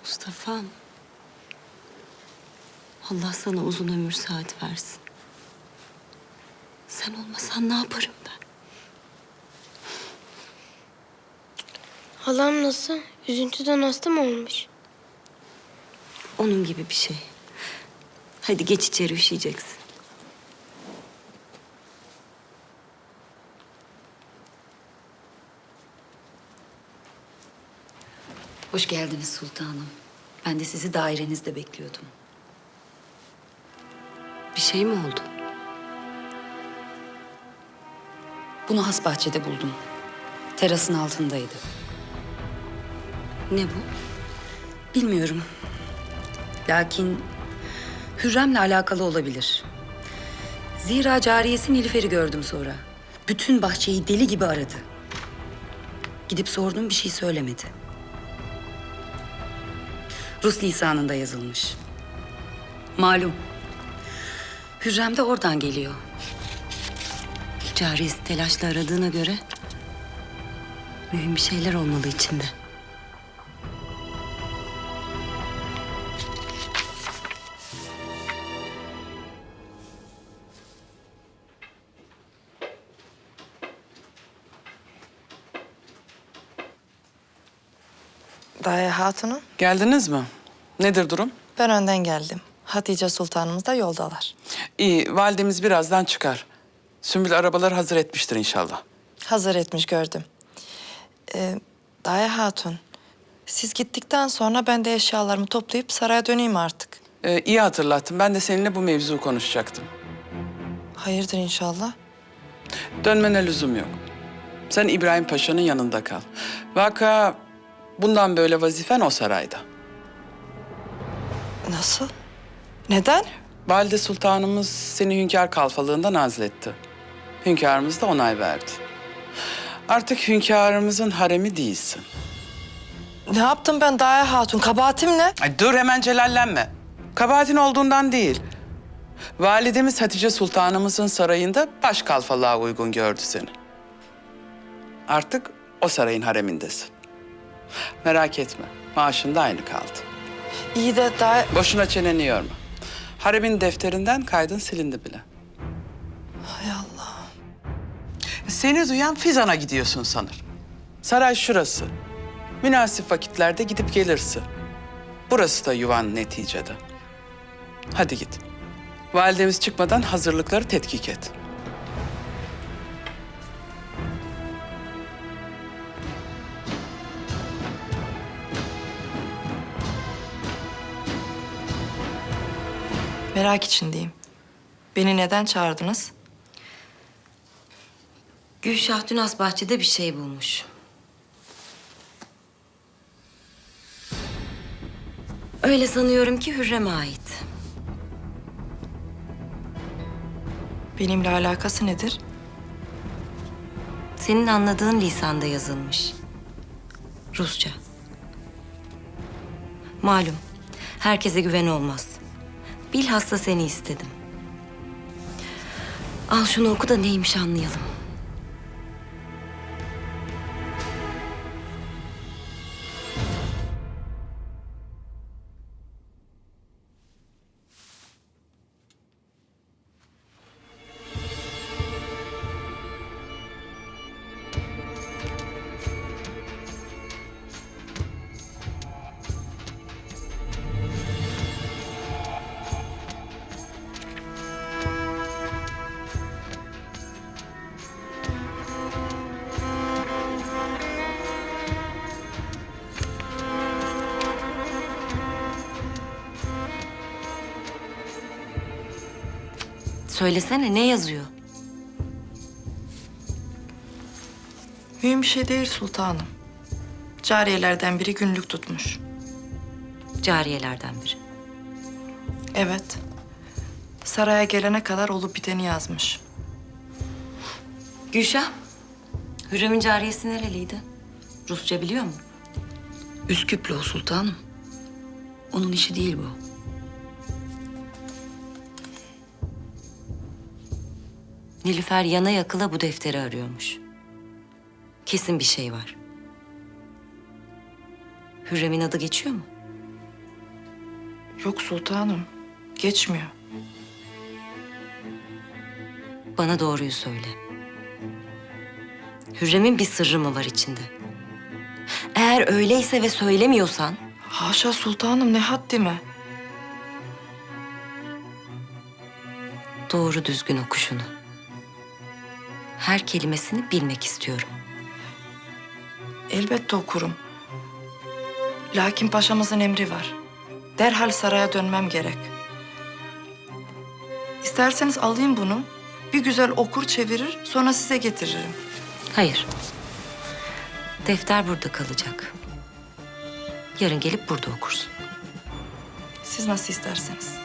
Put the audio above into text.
Mustafa'm. Allah sana uzun ömür saat versin. Sen olmasan ne yaparım ben? Halam nasıl? Üzüntüden hasta mı olmuş? Onun gibi bir şey. Hadi geç içeri, üşüyeceksin. Hoş geldiniz sultanım. Ben de sizi dairenizde bekliyordum. Bir şey mi oldu? Bunu has bahçede buldum. Terasın altındaydı. Ne bu? Bilmiyorum. Lakin Hürrem'le alakalı olabilir. Zira cariyesi Nilüfer'i gördüm sonra. Bütün bahçeyi deli gibi aradı. Gidip sordum, bir şey söylemedi. Rus lisanında yazılmış. Malum. Hürrem de oradan geliyor. Cariyesi telaşla aradığına göre mühim bir şeyler olmalı içinde. Daye Hatun'um, Geldiniz mi? Nedir durum? ben önden geldim. Hatice Sultanımız da yoldalar. İyi, validemiz birazdan çıkar. Sümbül arabaları hazır etmiştir inşallah. Hazır etmiş gördüm. Daye Hatun, siz gittikten sonra ben de eşyalarımı toplayıp saraya döneyim artık. İyi hatırlattın. Ben de seninle bu mevzu konuşacaktım. Hayırdır inşallah? Dönmene lüzum yok. Sen İbrahim Paşa'nın yanında kal. Vaka bundan böyle vazifen o sarayda. Nasıl? Neden? Valide Sultanımız seni hünkâr kalfalığından azletti. Hünkârımız da onay verdi. Artık hünkârımızın haremi değilsin. Ne yaptım ben Daye Hatun? Kabahatim ne? Ay dur, hemen celallenme. Kabahatin olduğundan değil. Validemiz Hatice Sultanımızın sarayında baş kalfalığa uygun gördü seni. Artık o sarayın haremindesin. Merak etme, maaşın da aynı kaldı. İyi de Daye... Boşuna çeneni yorma. Haremin defterinden kaydın silindi bile. Hay Allah. Seni duyan Fizan'a gidiyorsun sanır. Saray şurası. Münasip vakitlerde gidip gelirsin. Burası da yuvan neticede. Hadi git. Validemiz çıkmadan hazırlıkları tetkik et. Merak içindeyim. Beni neden çağırdınız? Gülşah dün has bahçede bir şey bulmuş. Öyle sanıyorum ki Hürrem'e ait. Benimle alakası nedir? Senin anladığın lisanda yazılmış. Rusça. Malum, herkese güven olmaz. Bilhassa seni istedim. Al şunu oku da neymiş anlayalım. Söylesene, ne yazıyor? Mühim bir şey değil sultanım. Cariyelerden biri günlük tutmuş. Cariyelerden biri. Evet. Saraya gelene kadar olup biteni yazmış. Gülşah, Hürrem'in cariyesi nereliydi? Rusça biliyor mu? Üsküplü o sultanım. Onun işi değil bu. Nilüfer yana yakıla bu defteri arıyormuş. Kesin bir şey var. Hürrem'in adı geçiyor mu? Yok sultanım. Geçmiyor. Bana doğruyu söyle. Hürrem'in bir sırrı mı var içinde? Eğer öyleyse ve söylemiyorsan Haşa sultanım, ne haddime. doğru düzgün oku şunu. Her kelimesini bilmek istiyorum. Elbette okurum. Lakin paşamızın emri var. Derhal saraya dönmem gerek. İsterseniz alayım bunu. Bir güzel okur çevirir, sonra size getiririm. Hayır. Defter burada kalacak. Yarın gelip burada okursun. Siz nasıl isterseniz.